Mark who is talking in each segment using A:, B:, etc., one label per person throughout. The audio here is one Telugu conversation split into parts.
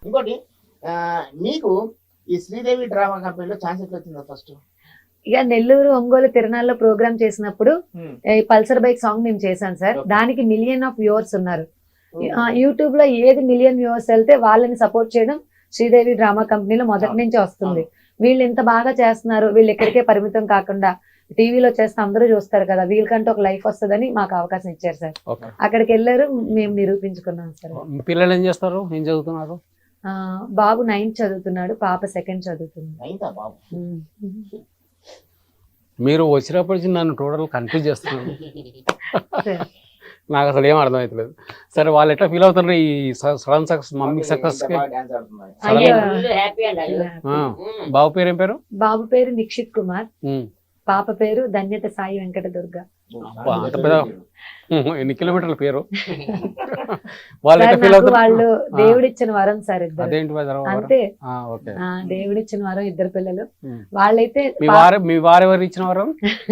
A: ఇంకోటి మీకు ఈ శ్రీదేవి డ్రామా కంపెనీలో ఛాన్స్ ఎట్లా వచ్చిందా ఫస్ట్?
B: ఇక నెల్లూరు ఒంగోలు తిరునాళ్ళలో ప్రోగ్రామ్ చేసినప్పుడు ఈ పల్సర్ బైక్ సాంగ్ మేము చేశాను సార్. దానికి 1 million వ్యూవర్స్ ఉన్నారు. యూట్యూబ్ లో ఏది 1 million వ్యూవర్స్ వెళ్తే వాళ్ళని సపోర్ట్ చేయడం శ్రీదేవి డ్రామా కంపెనీలో మొదటి నుంచి వస్తుంది. వీళ్ళు ఇంత బాగా చేస్తున్నారు, వీళ్ళు ఎక్కడికే పరిమితం కాకుండా టీవీలో చేస్తే అందరూ చూస్తారు కదా, వీళ్ళకంటే ఒక లైఫ్ వస్తుందని మాకు అవకాశం ఇచ్చారు సార్. అక్కడికి వెళ్ళారు, మేము నిరూపించుకున్నాం సార్.
C: పిల్లలు ఏం చేస్తారు, ఏం చదువుతున్నారు?
B: బాబు 9th చదువుతున్నాడు, పాప 2nd చదువుతుంది.
C: మీరు వచ్చినప్పటి నుంచి నన్ను టోటల్ కన్ఫ్యూజ్ చేస్తున్నాను. నాకు అసలు ఏం అర్థమవుతలేదు. సరే, వాళ్ళు ఎట్లా ఫీల్ అవుతున్నారు ఈ సడన్ సక్సెస్, మమ్మీ సక్సెస్? బాబు పేరు ఏం పేరు?
B: బాబు పేరు నిక్షిత్ కుమార్, పాప పేరు ధన్యత సాయి వెంకట దుర్గ.
C: అంత పెద్ద ఎన్ని కిలోమీటర్ల పేరు?
B: వాళ్ళు దేవుడిచ్చిన వరం సార్ ఇద్దరు. అంతే, దేవుడిచ్చిన వరం ఇద్దరు పిల్లలు. వాళ్ళైతే
C: మీ వారెవరు ఇచ్చిన వరం?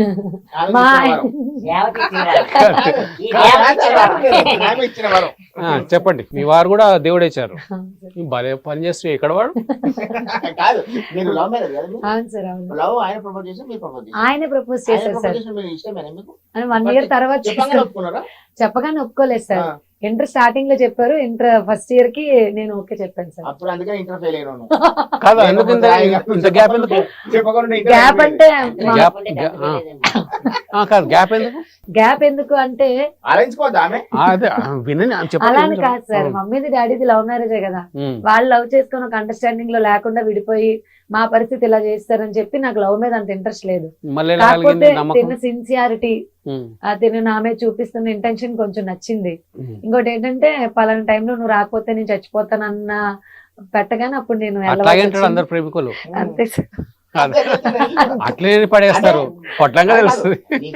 C: చెప్పండి. మీ వారు కూడా దేవుడు ఇచ్చారు. భలే పని చేస్తే ఎక్కడ వాడు?
B: ఆయన ప్రపోజ్ చేశారు సార్. 1 year తర్వాత చెప్పగానే ఒప్పుకోలేదు సార్. ఇంటర్ స్టార్టింగ్ లో చెప్పారు, ఇంటర్ ఫస్ట్ ఇయర్ కి నేను ఓకే చెప్పాను సార్. గ్యాప్ ఎందుకు అంటే అలానే కాదు సార్, మమ్మీది డాడీది లవ్ మ్యారేజే కదా. వాళ్ళు లవ్ చేసుకుని ఒక అండర్స్టాండింగ్ లో లేకుండా విడిపోయి మా పరిస్థితి ఇలా చేస్తారని చెప్పి నాకు లవ్ మీద అంత ఇంట్రెస్ట్ లేదు. కాకపోతే తిన్న సిన్సియారిటీ, తిన్న నామే చూపిస్తున్న ఇంటెన్షన్ కొంచెం నచ్చింది. ఇంకోటి ఏంటంటే పలానా టైంలో నువ్వు రాకపోతే నేను చచ్చిపోతానన్న పెట్టగానే అప్పుడు నేను
C: అందరు ప్రేమికులు
B: అంతే సార్.
C: అట్లే పడేస్తారు, పొట్లంగా తెలుస్తుంది.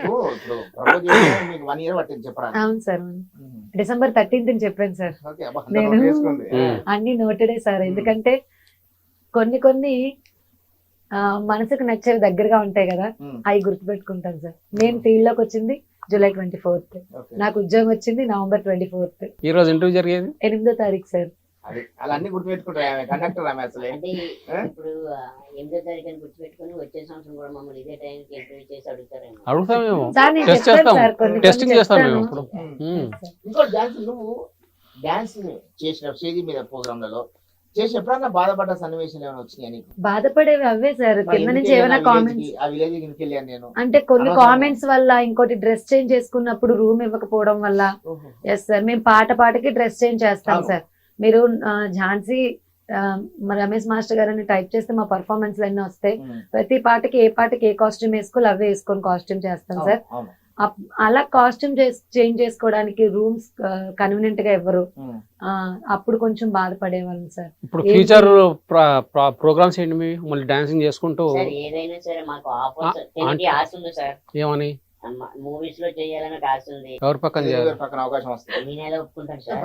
B: అవును సార్, December 13th చెప్పాను సార్. నేను అన్ని నోటెడే సార్. ఎందుకంటే కొన్ని మనసుకు నచ్చేవి దగ్గరగా ఉంటాయి కదా, అవి గుర్తుపెట్టుకుంటాను సార్. నేను ఫీల్డ్ లోకి వచ్చింది July 24th, నాకు ఉద్యోగం వచ్చింది November 24th.
C: ఈ రోజు ఇంటర్వ్యూ జరిగేది
B: 8వ తారీఖు సార్.
A: అన్ని గుర్తుపెట్టుకుంటారు కండక్టర్.
D: అంటే ఇప్పుడు 8వ తారీఖు అని గుర్తుపెట్టుకుని వచ్చే సంవత్సరం కూడా మమ్మల్ని ఇదే టైంకి ఇంటర్వ్యూ చేసి అడుగుతారేమో.
C: అడుగుతామేమో,
B: సార్ నేను చెప్తాను సార్,
C: టెస్టింగ్ చేస్తాం మేము ఇప్పుడు.
A: ఇంకోటి డాన్స్, నువ్వు డాన్స్ చేసిన స్టేజ్ మీద ప్రోగ్రామ్లలో చేసి ఎప్పుడన్నా బాధపడ్డ సన్నివేశాలు ఏమైనా వచ్చినాయి నీకు?
B: బాధపడేవి అవే సార్. కింద నుంచి ఏమైనా కామెంట్స్ అంటే కొన్ని కామెంట్స్ వల్ల, ఇంకోటి డ్రెస్ చేంజ్ చేసుకున్నప్పుడు రూమ్ ఇవ్వకపోవడం వల్ల. ఎస్ సార్, మేము పాటకి డ్రెస్ చేంజ్ చేస్తాం సార్. మీరు ఝాన్సీ రమేష్ మాస్టర్ గారు అని టైప్ చేస్తే మా పర్ఫార్మెన్స్ అన్నీ వస్తాయి. ప్రతి పాటకి ఏ కాస్ట్యూమ్ వేసుకోవాలి అవే వేసుకొని కాస్ట్యూమ్ చేస్తాం సార్. అలా కాస్ట్యూమ్ చేంజ్ చేసుకోవడానికి రూమ్స్ కన్వీనియంట్ గా ఇవ్వరు. అప్పుడు కొంచెం బాధపడేవాళ్ళం సార్.
C: ఇప్పుడు ఫ్యూచర్ ప్రోగ్రామ్స్ ఏంటి మీ? మళ్ళీ డాన్సింగ్ చేసుకుంటూ
D: ఏదైనా సరే మాకు ఆశ ఉంది సార్.
C: ఏమని?
D: మూవీస్ లో చేయాలని ఆశ ఉంది.
C: ఎవరి పక్కన
A: అవకాశం వస్తుంది
D: నేను ఎలా ఒప్పుకుంటాను సార్?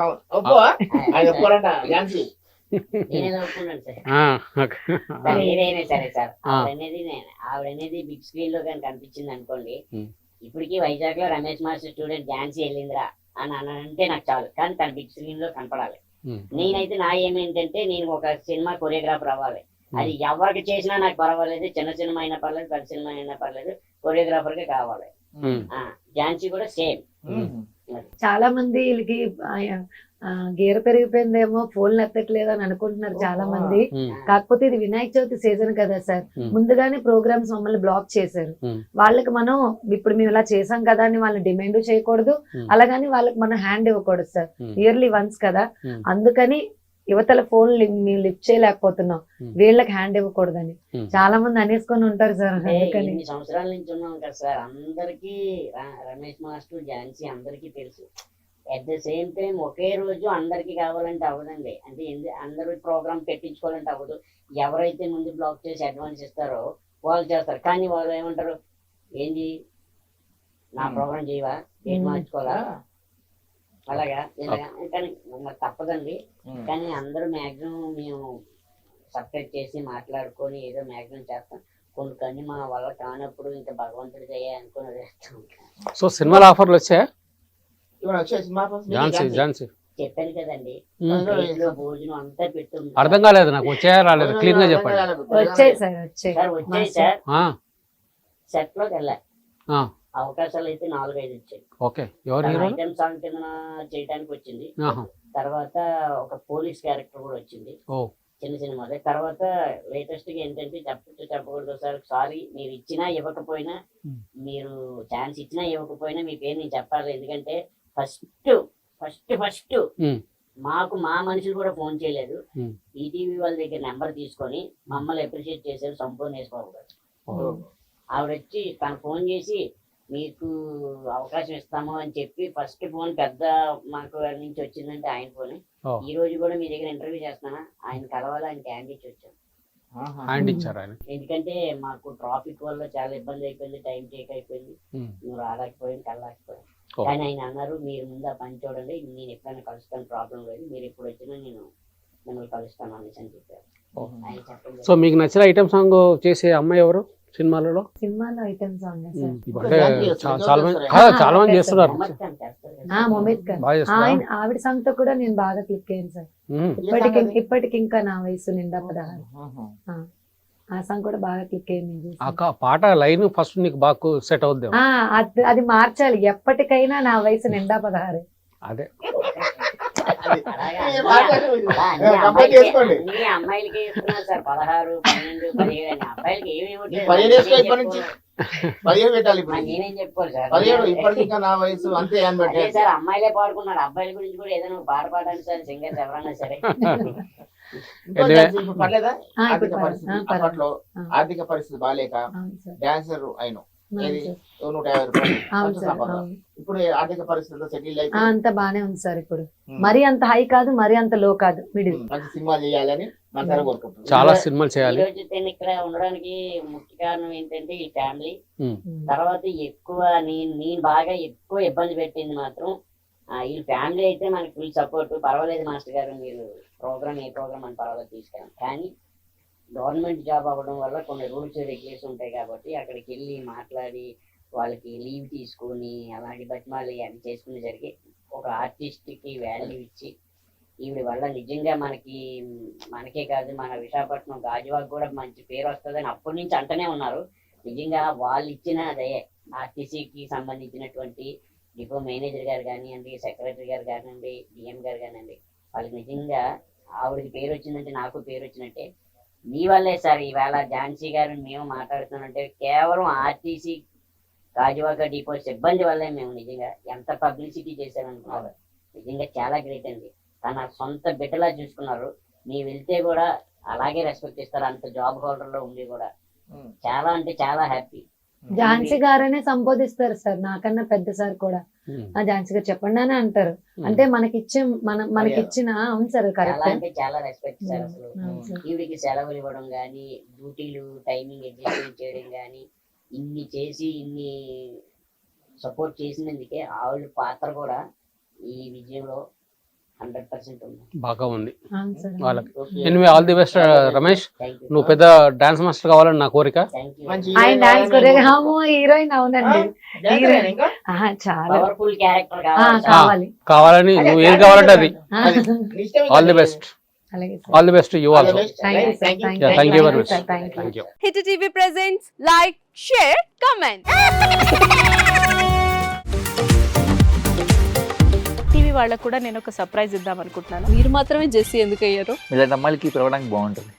D: నేనేదో ఒప్పుకున్నాను సార్. ఏదైనా సరే సార్, ఆవిడనేది బిగ్ స్క్రీన్ లో కానీ కనిపించింది అనుకోండి, ఇప్పటికీ వైజాగ్ లో రమేష్ మాస్టర్ స్టూడెంట్ ఝాన్సీ వెళ్ళిందిరా అని అంటే నాకు చాలు. కానీ తన బిగ్ స్క్రీన్ లో కనపడాలి. నేనైతే నా ఏమేంటంటే నేను ఒక సినిమా కొరియోగ్రాఫర్ అవ్వాలి. అది ఎవరికి చేసినా నాకు పర్వాలేదు, చిన్న సినిమా అయినా పర్లేదు, పెద్ద సినిమా అయినా పర్లేదు, కొరియోగ్రాఫర్ కే కావాలి. ఝాన్సీ కూడా సేమ్.
B: చాలా మంది వీళ్ళకి గీర పెరిగిపోయిందేమో, ఫోన్లు ఎత్తట్లేదు అని అనుకుంటున్నారు చాలా మంది. కాకపోతే ఇది వినాయక చవితి సీజన్ కదా సార్, ముందుగానే ప్రోగ్రామ్స్ మమ్మల్ని బ్లాక్ చేశారు. వాళ్ళకి మనం ఇప్పుడు మేము ఇలా చేసాం కదా అని వాళ్ళని డిమాండ్ చేయకూడదు, అలాగని వాళ్ళకి మనం హ్యాండ్ ఇవ్వకూడదు సార్. ఇయర్లీ వన్స్ కదా, అందుకని యువతల ఫోన్ మేము లిఫ్ట్ చేయలేకపోతున్నాం, వీళ్ళకి హ్యాండ్ ఇవ్వకూడదని చాలా మంది అనేసుకొని ఉంటారు సార్. అందుకని
D: సంవత్సరాల నుంచి ఉన్నాం కదా సార్, అందరికి రమేష్ మాస్టర్ ఝాన్సీ అందరికీ తెలుసు. అట్ ద సేమ్ టైం ఒకే రోజు అందరికి కావాలంటే అవ్వదండి. అంటే అందరూ ప్రోగ్రామ్ పెట్టించుకోవాలంటే అవ్వదు. ఎవరైతే ముందు బ్లాక్ చేసి అడ్వాన్స్ ఇస్తారో వాళ్ళు చేస్తారు. కానీ వాళ్ళు ఏమంటారు, ఏంటి నా ప్రోగ్రామ్ చేయవా, ఏం మార్చుకోవాలా, అలాగా కానీ తప్పదండి. కానీ అందరూ మ్యాక్సిమం మేము సపరేట్ చేసి మాట్లాడుకొని ఏదో మ్యాక్సిమం చేస్తాం. కొన్ని మా వల్ల కానప్పుడు ఇంకా భగవంతుడి దయ అనుకుని వేస్తాం.
C: సో సినిమాల ఆఫర్లు వచ్చాయా?
D: చెప్పాను కదండి,
C: ఉమ్.
D: ప్లేట్లో భోజనం అంతా పెట్టుంది
C: అర్థం కాలేదు నాకు, వచ్చాయా రాలేదు, క్లీన్ గా చెప్పండి.
B: వచ్చాయి సార్, వచ్చాయి.
D: సార్. వచ్చాయి సార్,
C: ఆ,
D: సెట్ లోకి వెళ్ళా,
C: ఆ,
D: అవకాశాలు అయితే 4-5 వచ్చాయి.
C: ఓకే. ఎవరు హీరో?
D: ఐటమ్ సాంగ్ కింద చేయడానికి వచ్చింది.
C: ఆహా.
D: తర్వాత ఒక పోలీస్ క్యారెక్టర్ కూడా వచ్చింది,
C: ఓ,
D: చిన్న సినిమాలే. తర్వాత లేటెస్ట్ గా ఏంటంటే చెప్పకూడదు సార్, సారీ, మీరు ఇచ్చినా ఇవ్వకపోయినా, మీరు ఛాన్స్ ఇచ్చినా ఇవ్వకపోయినా మీ పేరు నేను చెప్పాలి. ఎందుకంటే ఫస్ట్
C: ఉమ్,
D: మాకు మా మనుషులు కూడా ఫోన్ చేయలేదు.
C: ఉమ్.
D: ఈటీవీ వాళ్ళ దగ్గర నెంబర్ తీసుకొని మమ్మల్ని అప్రిషియేట్ చేశారు సంపూర్ణేశ్వరరావు గారు.
C: ఓ.
D: ఆవిడ వచ్చి తను ఫోన్ చేసి మీకు అవకాశం ఇస్తాము అని చెప్పి, ఫస్ట్ ఫోన్ పెద్ద మాకు నుంచి వచ్చిందంటే ఆయన ఫోన్.
C: ఓ.
D: ఈ రోజు కూడా మీ దగ్గర ఇంటర్వ్యూ చేస్తున్నానా, ఆయన కలవాలి, ఆయన క్యాండ్ ఇచ్చి వచ్చాను.
C: హ్యాండ్ ఇచ్చారు ఆయన.
D: ఎందుకంటే మాకు ట్రాఫిక్ వల్ల చాలా ఇబ్బంది అయిపోయింది, టైం టేక్ అయిపోయింది,
C: ఉమ్.
D: నువ్వు రాలేకపోయింది, కలలేకపోయాను.
C: ఓ.
D: కానీ ఆయన అన్నారు, మీరు ముందు ఆ పని చూడండి, నేను ఎప్పుడైనా కలుస్తాను, ప్రాబ్లం లేదు, మీరు ఎప్పుడు వచ్చినా నేను మిమ్మల్ని కలుస్తాను అనేసి అని చెప్పారు.
C: ఓ.
D: ఆయన చెప్పండి.
C: సో మీకు నచ్చిన ఐటమ్ సాంగ్ చేసే అమ్మాయి ఎవరు సినిమాలలో?
B: సినిమాలో ఐటమ్ సాంగ్ సార్.
C: అంటే చాలా మంది చాలా మంది చేస్తున్నారు,
D: మొహమ్మద్ ఖాన్ చేస్తారు కదా.
B: మొహమ్మద్ ఖాన్
C: బాగా చేస్తున్నారు.
B: ఆయన ఆవిడ సాంగ్ తో కూడా నేను బాగా క్లిక్ అయ్యాను సార్.
C: ఉమ్.
B: ఇప్పటికి ఇంకా నా వయసు నిండా 16. ఆ సాంగ్ కూడా బాగా క్లిక్ అయింది.
C: ఆ పాట లైన్ ఫస్ట్ నీకు బాగా సెట్ అవుద్ది.
B: అది మార్చాలి, ఎప్పటికైనా నా వయసు నిండా 16.
C: అదే
D: అలాగా
A: కంప్లీట్ చేసుకోండి.
D: అన్ని అమ్మాయిలకి ఇస్తున్నారు సార్, 16, 12, 17 అని. అబ్బాయిలకి ఏమి
A: 15 వేసుకో, ఇప్పటి నుంచి 15 పెట్టాలి. ఇప్పుడు
D: నేనేం చెప్పుకోరు సార్.
A: 17 ఇప్పటికి ఇంకా నా వయసు అంతే అని
D: అదే
A: పెట్టాలి.
D: సార్, అమ్మాయిలే పాడుకున్నారు, అబ్బాయిల గురించి కూడా ఏదైనా ఒక పాట పాడండి సార్, సింగర్స్ ఎవరన్నా సరే.
A: ఇంకో డాన్స్ ఇప్పుడు పర్లేదా? ఆర్థిక
B: ఇప్పుడు
A: పరిస్థితి
B: పర్లేదు.
A: అప్పట్లో ఆర్థిక పరిస్థితి బాగాలేక
B: అవును సార్,
A: డాన్సర్ అయిన
B: అవును సార్.
A: 150 రూపాయలు
B: అవును
A: మంచి
B: సార్,
A: సంపాదన.
B: అవును.
A: ఇప్పుడు ఆర్థిక పరిస్థితుల్లో సెటిల్ అయితే
B: అంత బానే ఉంది సార్ ఇప్పుడు. మరీ అంత హై కాదు, మరీ అంత లో కాదు, మిడిల్.
A: మంచి సినిమా చేయాలని మనసారా కోరుకుంటున్నాం.
C: చాలా సినిమాలు
D: ఈ
C: చేయాలి.
D: రోజు నేను ఇక్కడ ఉండడానికి ముఖ్య కారణం ఏంటంటే ఈ ఫ్యామిలీ.
C: ఉమ్.
D: తర్వాత ఎక్కువ నేను బాగా ఎక్కువ ఇబ్బంది పెట్టింది మాత్రం ఈ ఫ్యామిలీ. అయితే మనకి ఫుల్ సపోర్ట్, పర్వాలేదు మాస్టర్ గారు, మీరు ఏ ప్రోగ్రామ్ అని పర్వాలేదు తీసుకెళ్ళాం. కానీ గవర్నమెంట్ జాబ్ అవ్వడం వల్ల కొన్ని రూల్స్ రెగ్యులేషన్ ఉంటాయి కాబట్టి అక్కడికి వెళ్ళి మాట్లాడి వాళ్ళకి లీవ్ తీసుకొని అలాగే బతిమాలి అవి చేసుకునే జరిగి ఒక ఆర్టిస్ట్కి వాల్యూ ఇచ్చి ఈవిడ వల్ల నిజంగా మనకే కాదు, మన విశాఖపట్నం గాజువాక్ కూడా మంచి పేరు వస్తుందని అప్పటి నుంచి అంటనే ఉన్నారు. నిజంగా వాళ్ళు ఇచ్చిన అదే ఆర్టీసీకి సంబంధించినటువంటి డిపో మేనేజర్ గారు కానివ్వండి, సెక్రటరీ గారు కానివ్వండి, డిఎం గారు కానివ్వండి, వాళ్ళకి నిజంగా ఆవిడకి పేరు వచ్చిందంటే నాకు పేరు వచ్చినట్టే. మీ వల్లే సార్ ఈవేళ ఝాన్సీ గారు మేము మాట్లాడుతున్నామంటే కేవలం ఆర్టీసీ గాజువాక డిపో సిబ్బంది వల్లే. మేము నిజంగా ఎంత పబ్లిసిటీ చేశారనుకున్నారు, నిజంగా చాలా గ్రేట్ అండి. తన సొంత బిడ్డలా చూసుకున్నారు. మీరు వెళ్తే కూడా అలాగే రెస్పెక్ట్ ఇస్తారు, అంత జాబ్ హోల్డర్ లో ఉండి కూడా. చాలా అంటే చాలా హ్యాపీ.
B: ఝాన్సీ గారనే సంబోధిస్తారు సార్, నాకన్నా పెద్ద సార్ కూడా. ఝాన్సీ గారు చెప్పండి అని అంటారు. అంటే మనకిచ్చిన అవును సార్,
D: చాలా
B: కరెక్ట్.
D: అంటే చాలా రెస్పెక్ట్ సార్. అసలు ఈవిడికి సెలవులు ఇవ్వడం కానీ, డ్యూటీలు టైమింగ్ అడ్జస్ట్మెంట్ చేయడం కానీ, ఇన్ని చేసి ఇన్ని సపోర్ట్ చేసినందుకే ఆవిడ పాత్ర కూడా ఈ విజయంలో 100% ఉంది.
C: బాగా ఉంది
B: అవును సార్.
C: వాళ్ళకి. Anyway all the best Ramesh.
D: Thank you,
C: నువ్వు పెద్ద డాన్స్ మాస్టర్ కావాలని నా కోరిక.
D: Thank you.
A: మంచి
B: ఆయన డాన్స్ హీరోయిన్ అవునండి. చాలా
D: పవర్ఫుల్ క్యారెక్టర్
B: కావాలి.
C: కావాలని నువ్వు ఏది కావాలంటే అది. All the best.
B: అలాగే sir.
C: All the best you also.
B: Thank you sir.
C: Yeah, thank you very much.
B: Thank you.
C: Thank you.
E: Hit TV presents like, share, comment. TV వాళ్ళకు కూడా నేను ఒక సర్ప్రైజ్ ఇద్దాం అనుకుంటున్నాను. మీరు మాత్రమే జెస్సీ ఎందుకు అయ్యారు?
F: ఇలాంటి అమ్మాయిలకి పిలవడానికి బాగుంటుంది.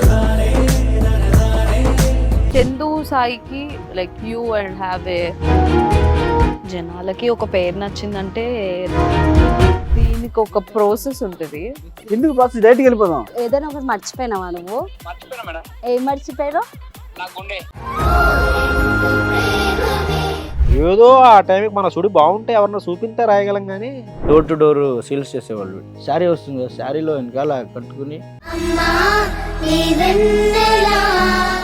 E: చందు సాయికి like you and have a జనాలకి ఒక పేరు నచ్చిందంటే దీనికి ఒక ప్రాసెస్ ఉంటుంది.
G: ఎందుకు బాక్స్ డైరెక్ట్కి వెళ్ళిపోదాం.
H: ఏదైనా ఒకటి మర్చిపోయినావా నువ్వు? ఏం మర్చిపోయావు?
G: ఏదో ఆ టైంకి మన సుడి బాగుంటే ఎవరన్నా చూపింటే రాయగలం కానీ డోర్ టు డోర్ సేల్స్ చేసేవాళ్ళు. శారీ వస్తుంది, శారీలో వెనకాల కట్టుకుని